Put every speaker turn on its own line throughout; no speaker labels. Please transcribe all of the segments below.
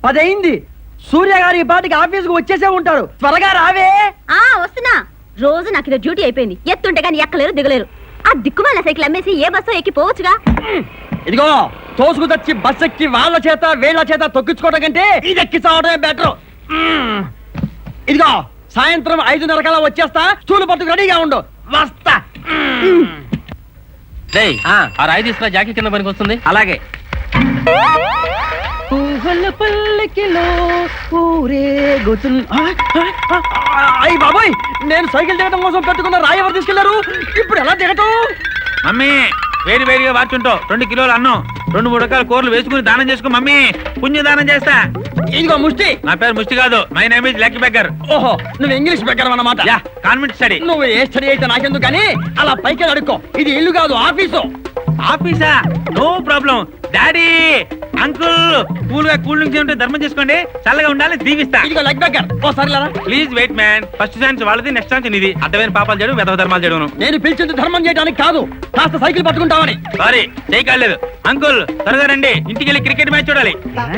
10 అయింది. సూర్య గారు ఈ పాటికి ఆఫీస్ కు వచ్చేసే ఉంటారు. త్వరగా రావే.
వస్తున్నా. రోజు నాకు ఇది డ్యూటీ అయిపోయింది. ఎత్తుంటే కానీ ఎక్కలేరు దిగలేరు. ఆ దిక్కుమాల సైకిల్ అమ్మేసి ఏ బస్సు ఎక్కి పోవచ్చుగా.
ఇదిగో తోసుకు తెచ్చి బస్ ఎక్కి వాళ్ళ చేత వీళ్ళ చేత తొక్కించుకోవడం కంటే ఇది ఎక్కి చావడమే బెటర్. ఇదిగో సాయంత్రం 5:30 కల్లా వచ్చేస్తా. స్టూలు పట్టుకు రెడీగా ఉండు. వస్తా.
ఆ రాయి తీసుకురా, జాకీ కింద పనికి వస్తుంది.
అలాగే. అయ్యి బాబాయ్, నేను సైకిల్ దిగటం కోసం పెట్టుకున్న రాయి ఎవరు తీసుకెళ్లారు? ఇప్పుడు ఎలా దిగటం?
మమ్మీ వేడి వేడిగా వార్చుంటావు 2 కిలోలు అన్నం 2-3 రకాల కూరలు వేసుకుని దానం చేసుకో మమ్మీ. పుణ్య దానం చేస్తా.
ఇదిగో ముష్టి.
నా పేరు ముష్టి కాదు, my name is lucky beggar.
ఓహో, నువ్వు ఇంగ్లీష్ బెగ్గర్ అన్నమాట.
Convent study.
నువ్వు ఏ స్టడీ అయితే నాకెందుకు కానీ అలా పైకి అడుక్కో. ఇది ఇల్లు కాదు, ఆఫీసు.
ఆఫీసా? No problem. Daddy uncle cool గా కూల్ డ్రింక్స్ ఉంటే ధర్మం చేసుకోండి, చల్లగా ఉండాలి, దీవిస్తా.
ఇదిగో లెగ్ బెగ్గర్. ఓసారి ఇలా
please wait man. First chance వాళ్ళది, నెక్స్ట్ ఛాన్స్ నీది. అడ్డమైన పాపాలు చేయడం, వెధవ ధర్మాలు చేయడం.
నేను పిలిచింది ధర్మం చేయడానికి కాదు, కాస్త సైకిల్ పట్టుకుంటావని.
సారీ, చేయకాలేదు. అంకుల్ త్వరగా రండి, ఇంటికి వెళ్ళి క్రికెట్ మ్యాచ్ చూడాలి.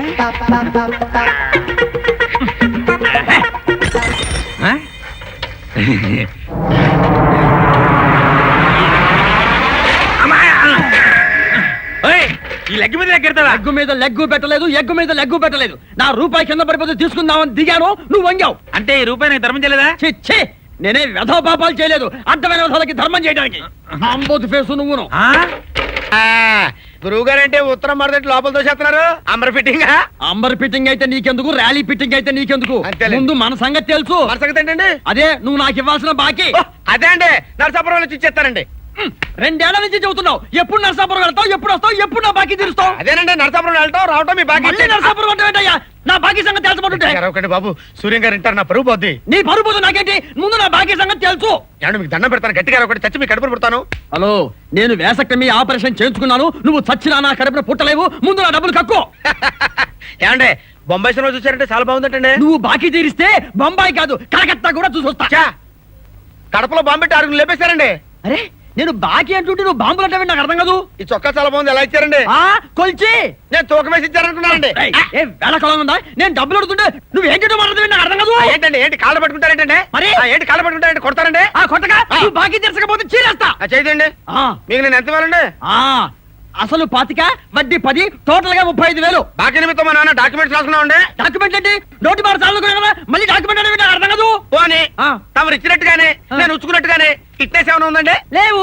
ఈ లెగ్ మీద లెగ్గెడతావా?
లెగ్గు మీద లెగ్గు పెట్టలేదు, ఎగ్గు మీద లెగ్గు పెట్టలేదు. నా రూపాయి కింద పడిపోతే తీసుకుందామని దిగాను, నువ్వు వంగావు.
అంటే ఈ రూపాయి నాకు ధర్మం చేయలేదా?
ఛీ, నేనే వెధవ పాపాలు చేయలేదు, అడ్డమైన వెధవలకి ధర్మం చేయడానికి. అంబోతు ఫేసు నువ్వును.
గురువు గారంటే ఉత్తరం మరదటి లోపల తోసేస్తున్నారు. Amber fitting.
అంబర్ ఫిట్టింగ్ అయితే నీకెందుకు, ర్యాలీ ఫిట్టింగ్ అయితే నీకెందుకు? ముందు మన సంగతి తెలుసు.
మన సంగతి ఏంటండి?
అదే నువ్వు నాకు ఇవ్వాల్సిన బాకీ.
అదే అండి, నరసాపురం వచ్చి ఇచ్చేస్తారండి.
2 ఏళ్ల నుంచి చెబుతున్నావు. ఎప్పుడు నరసాపురం వెళ్తావు, ఎప్పుడు వస్తావు, ఎప్పుడు నా బాకీ తీరుస్తావు?
అదేనండి, నరసాపురం వెళ్ళటం రావటం మీ బాకీ.
నరసాపురం అంటే ఏంటయ్యా? నా బాకీ సంగతి తెలుసుకుంటుంటే.
ఒకటి బాబు, సూర్యం గారు ఇంటారు, నా పరువు పోద్ది.
నీ పరువు పోదు నాకేంటి? ముందు నా బాకీ సంగతి తెలుసు.
ఏమండి మీకు దండం పెడతాను, గట్టిగా ఒకటి చచ్చి మీ కడుపును పుడతాను.
హలో, నేను వేసక్టమీ ఆపరేషన్ చేయించుకున్నాను. నువ్వు చచ్చినా నా కడుపున పుట్టలేవు. ముందు నా డబ్బులు కక్కు.
ఏమండి బొంబాయి సినిమా చూసారంటే చాలా బాగుందంటండి.
నువ్వు బాకీ తీరిస్తే బొంబాయి కాదు కలకత్తా కూడా చూసొస్తా.
కడపలో బాంబు పెట్టి 6 లేపేశారండి.
అరే, నేను బాకీ అంటుంటే నువ్వు బాంబులు అంటే నాకు అర్థం కాదు.
ఈ చొక్కా చాలా బాగుంది, ఎలా ఇచ్చారండి?
కొల్చి
నేను తూకం వేసి ఇచ్చారనుకున్నానండి.
వేళకాలం ఉందా? నేను డబ్బులు అడుగుతుంటే నువ్వు ఏంటో మాట్లాడుతుంది నాకు అర్థం కాదు.
ఏంటండి, ఏంటి కాళ్ళు పట్టుకుంటారేంటండి?
మరి
ఏంటి కాళ్ళు పట్టుకుంటారండి? కొడతారండి?
కొట్టగా నువ్వు బాకీ తీర్చకపోతే చీరేస్తా.
చేయండి. మీకు నేను ఎంత ఇవ్వాలండి?
అసలు 25, వడ్డీ 10, టోటల్ గా 35,000.
బాకీ నిమిత్తం మా నాన్న డాక్యుమెంట్స్ రాసుకున్నామండి.
డాక్యుమెంట్ ఏంటి? నోటి మాట చాలుకున్నా కదా, మళ్ళీ డాక్యుమెంట్ అనేది నాకు అర్థం కాదు.
పోనీ తమరు ఇచ్చినట్టుగానే నేను ఉచ్చుకున్నట్టుగానే ఫిట్నెస్ ఏమైనా ఉందండి?
లేవు.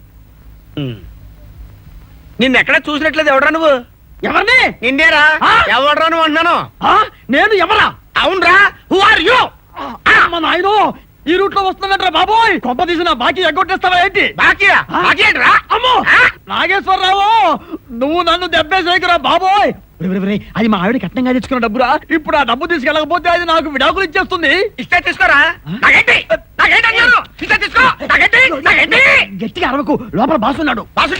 నిన్ను ఎక్కడ చూసినట్లేదు. ఎవడరా నువ్వు?
ఎవరిని?
నిన్నేరా. ఎవడరా నువ్వు అంటున్నాను.
నేను ఎవరా?
అవునరా. Who are you?
నాయనో, ఈ రూట్ లో వస్తున్నట్రా బాబోయ్. కొంప తీసిన బాకీ ఎగ్గొట్టేస్తావా ఏంటి?
బాకీయా? బాకీ ఏంట్రా?
అమ్మో నాగేశ్వరరావు, నువ్వు నన్ను దెబ్బేసేకురా బాబోయ్. అది మా ఆవిడ కట్నంగా తెచ్చుకున్న డబ్బురా. ఇప్పుడు ఆ డబ్బు తీసుకెళ్ళకపోతే అది నాకు విడాకులు ఇచ్చేస్తుంది.
ఇస్తే తీసుకోరా.
గట్టిగా అరవకు, లోపల బాసున్నాడు.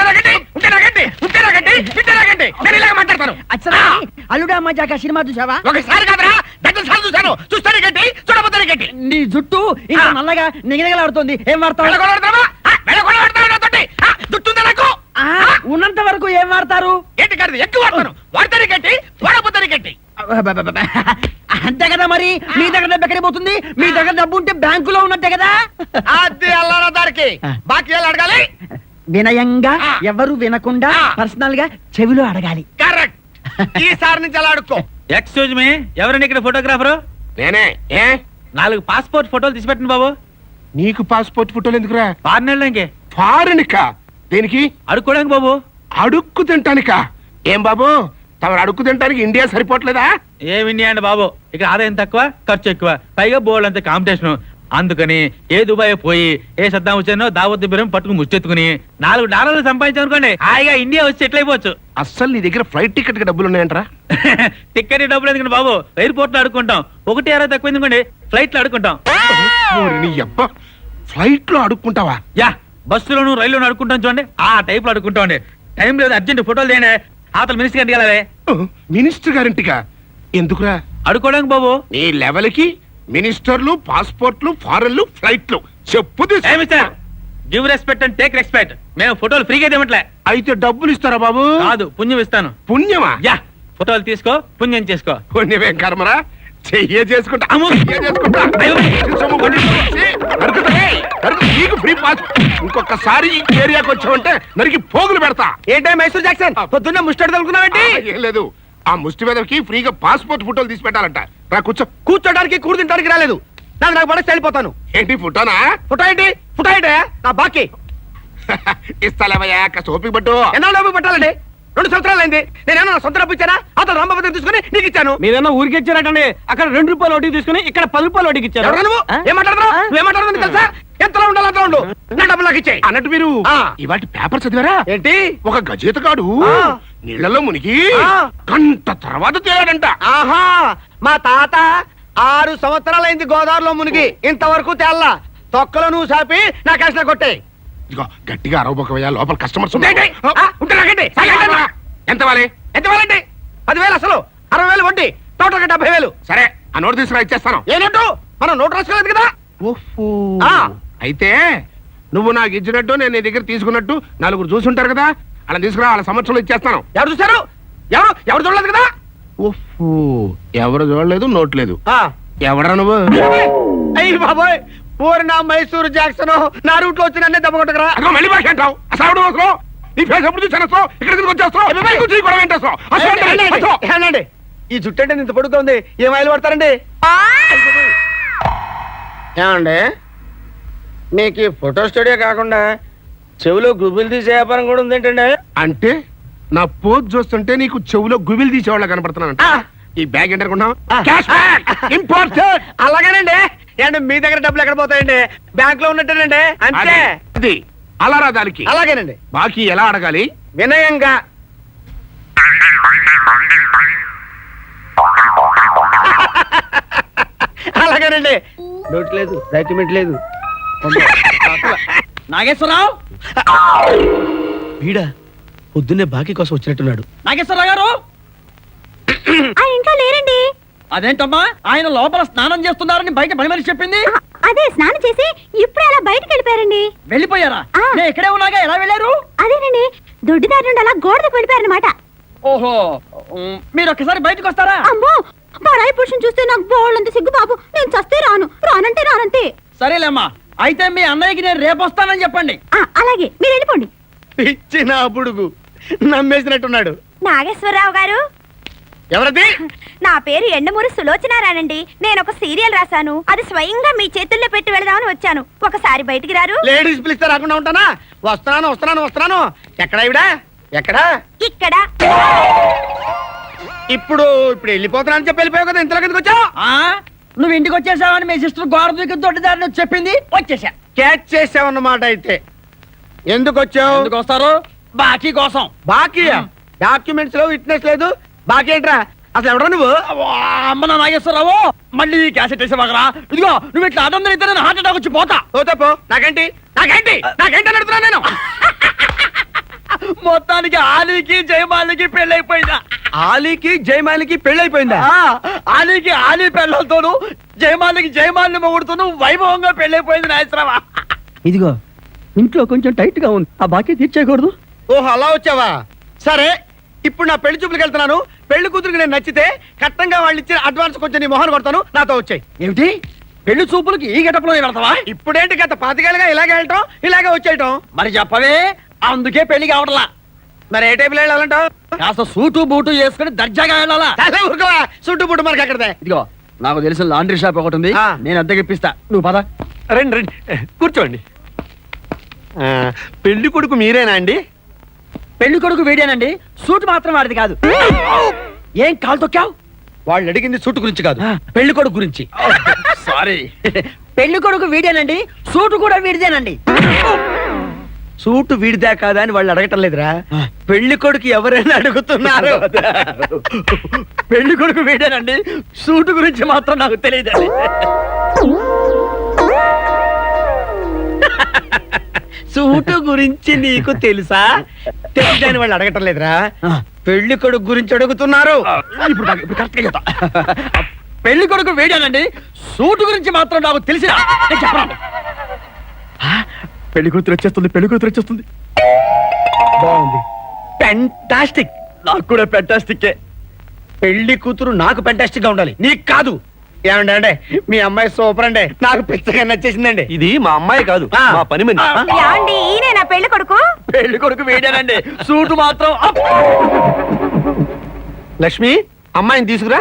మాట్లాడతాను.
అల్లుడా మజాక సినిమా చూసావా?
ఒకసారి కాదురా, దగ్గర సార్లు చూసాను. చూస్తాను గట్టి, చూడబోతాను గట్టి.
నీ జుట్టు ఇంకా నల్లగా నిగనిగలాడుతుంది. ఏం వాడతావు? ఉన్నంత వరకు ఏం వాడతారు?
ఏంటి కాదు, ఎక్కువ వాడతాను. వాడతాను గట్టి, వాడబోతాను గట్టి.
అంతే కదా. మరి మీ దగ్గర డబ్బు ఎక్కడికి పోతుంది? మీ దగ్గర డబ్బు ఉంటే బ్యాంకులో ఉన్నట్టే కదా.
అది అల్లారా దారికి బాకీ ఎలా అడగాలి?
వినయంగా, ఎవరు వినకుండా పర్సనల్ గా చెవిలో అడగాలి.
కరెక్ట్. ఈసారి నుంచి అలా అడుక్కో.
ఎక్స్క్యూజ్ మీ, ఎవరండి ఇక్కడ ఫోటోగ్రాఫరు?
నేనే.
4 పాస్పోర్ట్ ఫోటోలు తీసి పెట్టండి బాబు.
నీకు పాస్పోర్ట్ ఫోటోలు ఎందుకురా?
ఫారెన్
ఫారెన్కా? దేనికి?
అడుక్కోడానికి బాబు.
అడుక్కు తింటానికా? ఏం బాబు, తమరు అడుక్కు తింటానికి ఇండియా సరిపోవట్లేదా?
ఏం ఇండియా అండి బాబు, ఇక్కడ ఆదాయం తక్కువ, ఖర్చు ఎక్కువ, పైగా బోర్డు అంత కాంపిటీషన్. అందుకని ఏ దుబాయ్ పోయి ఏ సద్దాం వచ్చానో దావత్ బిరం పట్టుకుని ముచ్చెత్తుకుని $4 సంపాదించామనుకోండి, హాయిగా ఇండియా వచ్చి సెటిల్ అయిపోవచ్చు.
అస్సలు నీ దగ్గర ఫ్లైట్ టికెట్ కి డబ్బులు ఉన్నాయంటరా?
టికెట్ డబ్బులు ఎందుకండి బాబు, ఎయిర్పోర్ట్ లో అడుకుంటాం. 1.60 తక్కువ ఎందుకండి, ఫ్లైట్ లో అడుకుంటాం.
ఫ్లైట్ లో అడుక్కుంటావా?
యా, బస్సులోను రైల్లోను అడుకుంటాం చూడండి, ఆ టైప్ లో అడుకుంటాం అండి. టైం లేదు, అర్జెంట్ ఫోటోలు తీయండి. ఆతల మినిస్టర్ గారికి వెళ్ళాలి.
మినిస్టర్ గారింటికా? ఎందుకురా?
అడుకోవడానికి బాబు.
నీ లెవెల్ కి మినిస్టర్లు, పాస్పోర్ట్లు, ఫారెన్లు, ఫ్లైట్లు చెప్పు.
Give respect and take respect. మేము ఫోటోలు ఫ్రీగా ఇవ్వట్లే.
అయితే డబ్బులు ఇస్తారా బాబు?
కాదు, పుణ్యం ఇస్తాను.
పుణ్యమా?
యా, ఫోటోలు తీసుకో, పుణ్యం చేసుకో.
పుణ్యమేం కర్మరా, చెయ్యే చేసుకుంటా
అమ్మో!
చెయ్యే చేసుకుంటా
అయ్యో!
సొమ్ము కొట్టేసి నరుకుతానే, నీకు ఫ్రీ పాస్. ఇంకొకసారి ఈ ఏరియాకి వచ్చావంటే నరికి పోగులు పెడతా.
ఏంటే మైసూర్ జాక్సన్ పొద్దున్నే ముస్టాడు తలుకున్నావేంటి?
ఏం లేదు, ఆ ముష్టి మీదకి ఫ్రీగా పాస్పోర్ట్ ఫోటోలు తీసి పెట్టాలంట. రా కూర్చో.
కూర్చోడానికి కూడు తినడానికి రాలేదు. నాకు పడేసి వెళ్ళిపోతాను.
ఏంటి ఫోటోనా?
ఫోటో ఏంటి? ఫోటో ఏంటి? నా బాకీ
ఇస్తాలేవయ్యా, కాస్త ఓపిక పట్టు.
ఎన్నాళ్ళు పట్టాలండి? 2 సంవత్సరాలు అయింది. నేనేమో నా సొంత డబ్బు ఇచ్చానా? అతను రామభద్రం తీసుకుని నీకు ఇచ్చాను.
మీరేమో ఊరికి ఇచ్చారటండి. అక్కడ 2 రూపాయలు వడ్డీ తీసుకుని ఇక్కడ 10 రూపాయలు వడ్డీకి ఇచ్చారు.
ఎవరు నువ్వు? ఏం మాట్లాడుతున్నావు? నువ్వేం మాట్లాడుతున్నావు తెలుసా? ఎంతలో ఉండాలి అంతలో ఉండు. నా డబ్బులు నాకు ఇచ్చేయ్.
అన్నట్టు మీరు
ఆ.
ఇవాళ పేపర్ చదివారా?
ఏంటి?
ఒక గజేతగాడు
ఆ.
నీళ్లలో మునిగి
ఆ.
గంట తర్వాత తేలాడంట.
ఆహా, మా తాత 6 సంవత్సరాలైంది గోదావరిలో మునిగి, ఇంతవరకు తేల్లా. తొక్కలో నువ్వు సాపి నా కష్ట కొట్టే.
ఇదిగో గట్టిగా అరవబోకవయ్యా, లోపల కస్టమర్స్
ఉంటే నాకండి.
ఎంత వాలి?
ఎంత వేలండి? 10,000 అసలు, 60,000 వడ్డీ, టోటల్ 70,000.
సరే, ఆ నోటు తీసుకురా, ఇచ్చేస్తాను.
ఏ నోటు? మనం నోటు రాసుకోలేదు కదా. ఆ.
అయితే నువ్వు నాకు ఇచ్చినట్టు నేను నీ దగ్గర తీసుకున్నట్టు నలుగురు చూసుంటారు కదా, అలా తీసుకురా, వాళ్ళ సంవత్సరంలో ఇచ్చేస్తాను.
ఎవరు చూసారు? ఎవరు చూడలేదు కదా.
ఎవరు చూడలేదు, నోట్ లేదు.
ఆ.
ఎవడరా నువ్వు?
అయ్యి బాబోయ్, పూరి నా మైసూరు జాక్సన్ నా రూట్ లో వచ్చి నన్నే దెబ్బ కొట్టకరా.
అదిగో మళ్ళీ భాష అంటావు. అసలు ఎవడు అవసరం? నీ ఫేస్ ఎప్పుడు చూసాను, ఇక్కడ వచ్చేస్తావు.
ఏనండి, ఈ జుట్టు అంటే ఇంత పొడుగ్గా ఉంది, ఏం ఆయిల్ పడతారండి? ఏమండి, మీకు ఈ ఫోటో స్టూడియో కాకుండా చెవిలో గుబులు తీసే వ్యాపారం కూడా ఉంది ఏంటండి?
అంటే నా పోజ్ చూస్తుంటే నీకు చెవులో గుబిలు తీసేవాళ్ళ కనపడుతున్నానంట.
ఆ.
ఈ బ్యాగ్ ఎంత అనుకున్నావు?
ఆ.
Cash bag, important.
అలాగేనండి. ఏంటి మీ దగ్గర డబ్బులు ఎక్కడ పోతాయండి? బ్యాంక్ లో ఉన్నట్టేనండి, అంతే.
అది అలారా దానికి.
అలాగేనండి.
బాకీ ఎలా అడగాలి?
వినయంగా. అలాగేనండి. నోట్ లేదు, డాక్యుమెంట్ లేదు.
నాగేశ్వరరావు,
వీడా పొద్దున్నే బాకీ కోసం వచ్చినట్టున్నాడు.
నాగేశ్వరరావు గారు,
ఆ ఇంట్లో లేరండి.
అదేంటమ్మా ఆయన లోపల స్నానం చేస్తున్నారని బయట పని మనిషి చెప్పింది.
అదే స్నానం చేసి ఇప్పుడు అలా బయటికి వెళ్ళిపోయారండి.
వెళ్ళిపోయారా?
ఆ.
నేను ఇక్కడే ఉన్నాగా, ఎలా వెళ్ళారు?
అదేనండి, దొడ్డిదారి నుండి అలా గోడకు వెళ్ళిపోయారనమాట.
ఓహో, మీరు ఒక్కసారి బయటకు వస్తారా?
అమ్మో, పరాయి పురుషుని చూస్తే నాకు బోళ్ళంత సిగ్గు బాబు. నేను చస్తే రాను, రానంటే రానంతే.
సరేలేమ్మా, అయితే మీ అన్నయ్యకి నేను రేపు వస్తానని చెప్పండి.
అలాగే, మీరు వెళ్ళిపోండి.
పిచ్చి నా బుడుగు నమ్మేసినట్టున్నాడు.
నాగేశ్వరరావు గారు,
ఎవరది?
నా పేరు ఎండమూరి సులోచనారానండి. నేను ఒక సీరియల్ రాశాను, అది స్వయంగా మీ చేతుల్లో పెట్టి వెళదామని వచ్చాను. ఒకసారి బయటికి రారు?
లేడీస్ పిలిస్తే రాకుండా ఉంటానా? వస్తున్నాను వస్తున్నాను వస్తున్నాను. ఎక్కడ ఇవిడా? ఎక్కడా?
ఇక్కడ.
ఇప్పుడు వెళ్ళిపోతున్నాను చెప్పి వెళ్ళిపోయావు కదా, ఇంతలో కిందకి వచ్చావు.
ఆ నువ్వు ఇంటికి వచ్చేసావని మీ సిస్టర్ గోడ దూకి దొడ్డిదారిని వచ్చి చెప్పింది, వచ్చేసా.
క్యాచ్ చేసావన్నమాట. అయితే ఎందుకు వచ్చావు?
ఎందుకు వస్తారు? బాకీ కోసం.
బాకీ? డాక్యుమెంట్స్ లో విట్నెస్ లేదు, బాకీ ఏంట్రా? అసలు ఎవడా నువ్వు?
అవ్వా, అమ్మ నా నాగేశ్వరరావు, మళ్ళీ క్యాసెట్ వేసేవాగరా? ఇదిగో నువ్వు ఇట్లా అడ్డం అయితే నేను హార్ట్ అటాక్ వచ్చి పోతా.
పోతే నాకేంటి నాకేంటి నాకేంటి అని అడుగుతున్నా నేను.
మొత్తానికి ఆలీకి జయమాలికి పెళ్ళైపోయిందా?
ఆలీకి జయమాలికి పెళ్ళైపోయిందా?
ఆలీకి ఆలీ పెళ్ళతోను, జయమాలికి జయమాలిని మొగుడుతోను వైభవంగా పెళ్ళైపోయింది నాగేశ్వరరావా. ఇదిగో ఇంట్లో కొంచెం టైట్ గా ఉంది, ఆ బాకీ తీర్చేయకూడదు.
ఓహో, అలా వచ్చావా? సరే, ఇప్పుడు నా పెళ్లి చూపులకు వెళ్తున్నాను. పెళ్లి కూతురికి నేను నచ్చితే కట్టంగా వాళ్ళు ఇచ్చిన అడ్వాన్స్ కొంచెం నీ మొహన్ కొడతాను, నాతో వచ్చాయి.
ఏమిటి, పెళ్లి చూపులకి ఈ గెటప్లో వెళ్తావా?
ఇప్పుడేంటి గత 5 ఏళ్ళుగా ఇలాగే వెళ్ళటం, ఇలాగే వచ్చేయటం.
మరి చెప్పవే, అందుకే పెళ్లి కావట్లా.
మరి ఏ టైపులో వెళ్ళాలంటావు?
కాస్త సూటు బూటు వేసుకుని దర్జాగా వెళ్ళాలా.
చాలా ఊరుకోవా, చుట్టూ పుట్టు మనకి అక్కడదే.
ఇదిగో నాకు తెలిసిన లాండ్రీ షాప్ ఒకటి ఉంది,
ఆ.
నేను అద్దెకి ఇప్పిస్తా, నువ్వు పద.
రండి రండి, కూర్చోండి. పెళ్లి కొడుకు మీరేనా అండి?
పెళ్లి కొడుకు వీడేనండి, సూట్ మాత్రం వాడిది కాదు. ఏం కాలు తొక్కావు?
వాళ్ళు అడిగింది సూటు గురించి కాదు,
ఆ.
పెళ్లి కొడుకు గురించి.
సారీ. పెళ్లి కొడుకు వీడేనండి, సూటు కూడా వీడిదేనండి.
సూటు వీడిదా కాదా అని వాళ్ళు అడగటం లేదురా, పెళ్లి కొడుకు ఎవరైనా అడుగుతున్నారు.
పెళ్లి కొడుకు వీడేనండి, సూటు గురించి మాత్రం నాకు తెలియదండి.
సూటు గురించి నీకు తెలుసా? తెలియదని వాళ్ళు అడగటం లేదురా, పెళ్లి కొడుకు గురించి అడుగుతున్నారు.
ఇప్పుడు కరెక్ట్ గా చెప్తా. పెళ్లి కొడుకు వీడేనండి, సూటు గురించి మాత్రం నాకు తెలిసిన చెప్పండి. పెళ్లి కూతురు వచ్చేస్తుంది, పెళ్లి కూతురు వచ్చేస్తుంది.
బాగుంది, ఫెంటాస్టిక్.
నాకు కూడా ఫెంటాస్టిక్. పెళ్లి కూతురు నాకు ఫెంటాస్టిక్ గా ఉండాలి, నీకు కాదు. ఏమండి అంటే మీ అమ్మాయి సూపర్ అండి, నాకు పిచ్చగా నచ్చేసిందండి.
ఇది మా అమ్మాయి కాదు,
ఆ.
మా పని మనిషి.
ఏమండి ఈయన నా పెళ్లి కొడుకు?
పెళ్లి కొడుకు వేడానండి, సూటు మాత్రం అప్.
లక్ష్మి, అమ్మాయిని తీసుకురా.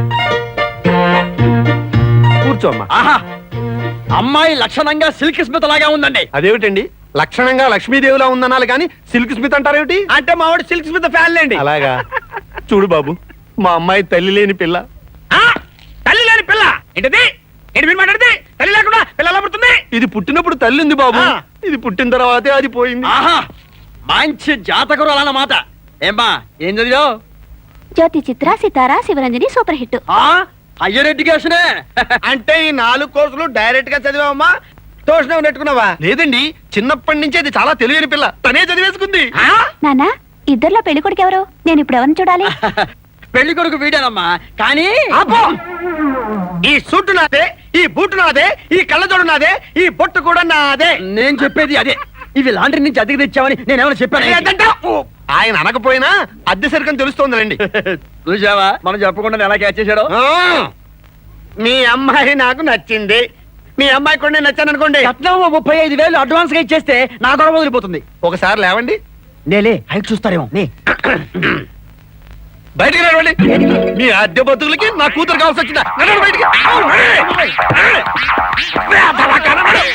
కూర్చో అమ్మా.
ఆహా, అమ్మాయి లక్షణంగా సిల్క్ స్మిత్ లాగా ఉందండి.
అదేమిటండి, లక్షణంగా లక్ష్మీదేవిలా ఉందనాలి కానీ సిల్క్ స్మిత్ అంటారేమిటి?
అంటే మా వాడు సిల్క్ స్మిత్ ఫ్యాన్ అండి.
అలాగా. చూడు బాబు, మా అమ్మాయి తల్లి లేని పిల్ల.
తల్లి లేని పిల్ల ఏంటది? ఏంటి మీరు మాట్లాడితే? తల్లి లేకుండా పిల్ల ఎలా పుడుతుంది?
ఇది పుట్టినప్పుడు తల్లి ఉంది బాబు,
ఆ.
ఇది పుట్టిన తర్వాతే అది పోయింది.
ఆహా, మంచి జాతకురు అన్నమాట. ఏమ్మా, ఏం చదివావు?
Jyothi Chitra Sitara Sivaranjani super hit.
Higher ఎడ్యుకేషనే.
అంటే ఈ 4 కోర్సులు డైరెక్ట్ గా చదివామా, ట్యూషన్ నెట్టుకున్నావా?
లేదండి, చిన్నప్పటి నుంచి అది చాలా తెలియని పిల్ల, తనే చదివేసుకుంది.
నానా ఇద్దర్లో పెళ్లి కొడుకు ఎవరు? నేను ఇప్పుడు ఎవరిని చూడాలి?
పెళ్లి కొడుకు వీడానమ్మా, కానీ
ఆపో! ఈ సూటు నాదే, ఈ బూటు నాదే, ఈ కళ్ళజోడు నాదే, ఈ బొట్టు కూడా నాదే.
నేను చెప్పేది అదే. ఇవి లాండ్రీ నుంచి అద్దెకి తెచ్చావని నేనేమైనా చెప్పాను?
ఏంటంటావ్?
ఆయన అనకపోయినా అద్దె సరికని తెలుస్తోందండి.
చూసావా, మనం చెప్పకుండా ఎలా క్యాచ్ చేశాడో.
ఆ, మీ అమ్మాయి నాకు నచ్చింది, మీ అమ్మాయి కూడా నేను నచ్చాను అనుకోండి.
కట్నం 35,000 అడ్వాన్స్ గా ఇచ్చేస్తే నా గొడవ వదిలిపోతుంది.
ఒకసారి లేవండి,
నేలే హైట్ చూస్తారేమో. నే
బయటికి రావండి. మీ అద్దె బతుకులకి నా కూతురు కావాల్సి వచ్చిందా? నడవండి బయటికి.